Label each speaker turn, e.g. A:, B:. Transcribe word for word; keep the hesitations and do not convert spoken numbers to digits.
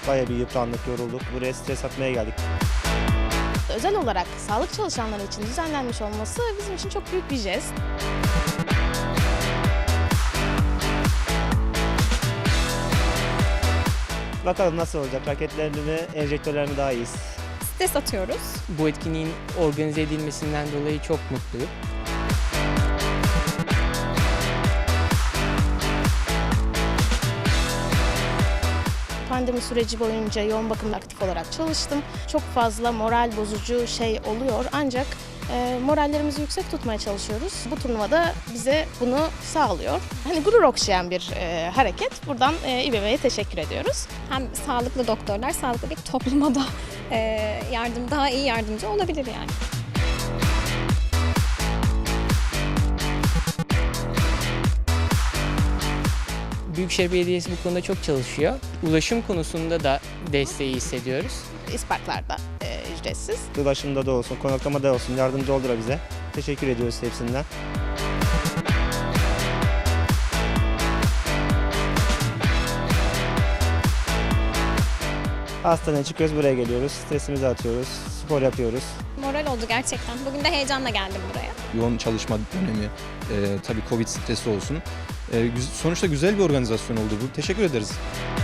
A: Bayağı bir yıprandık, yorulduk. Buraya stres atmaya geldik.
B: Özel olarak sağlık çalışanları için düzenlenmiş olması bizim için çok büyük bir jest.
A: Bakalım nasıl olacak? Raketlerini mi, enjektörlerini daha iyiyiz.
C: Stres atıyoruz.
D: Bu etkinliğin organize edilmesinden dolayı çok mutluyum.
B: Pandemi süreci boyunca yoğun bakımda aktif olarak çalıştım. Çok fazla moral bozucu şey oluyor ancak e, morallerimizi yüksek tutmaya çalışıyoruz. Bu turnuvada bize bunu sağlıyor. Hani gurur okşayan bir e, hareket. Buradan e, İBB'ye teşekkür ediyoruz.
C: Hem sağlıklı doktorlar sağlıklı bir topluma da e, yardım daha iyi yardımcı olabilir yani.
D: Büyükşehir Belediyesi bu konuda çok çalışıyor. Ulaşım konusunda da desteği hissediyoruz.
B: İsparklarda e, ücretsiz.
A: Ulaşımda da olsun, konaklamada olsun yardımcı oldular bize. Teşekkür ediyoruz hepsinden. Hastaneye çıkıyoruz, buraya geliyoruz. Stresimizi atıyoruz, spor yapıyoruz.
C: Moral oldu gerçekten. Bugün de heyecanla geldim buraya.
E: Yoğun çalışma dönemi, e, tabii Covid stresi olsun. E, güz- sonuçta güzel bir organizasyon oldu bu. Teşekkür ederiz.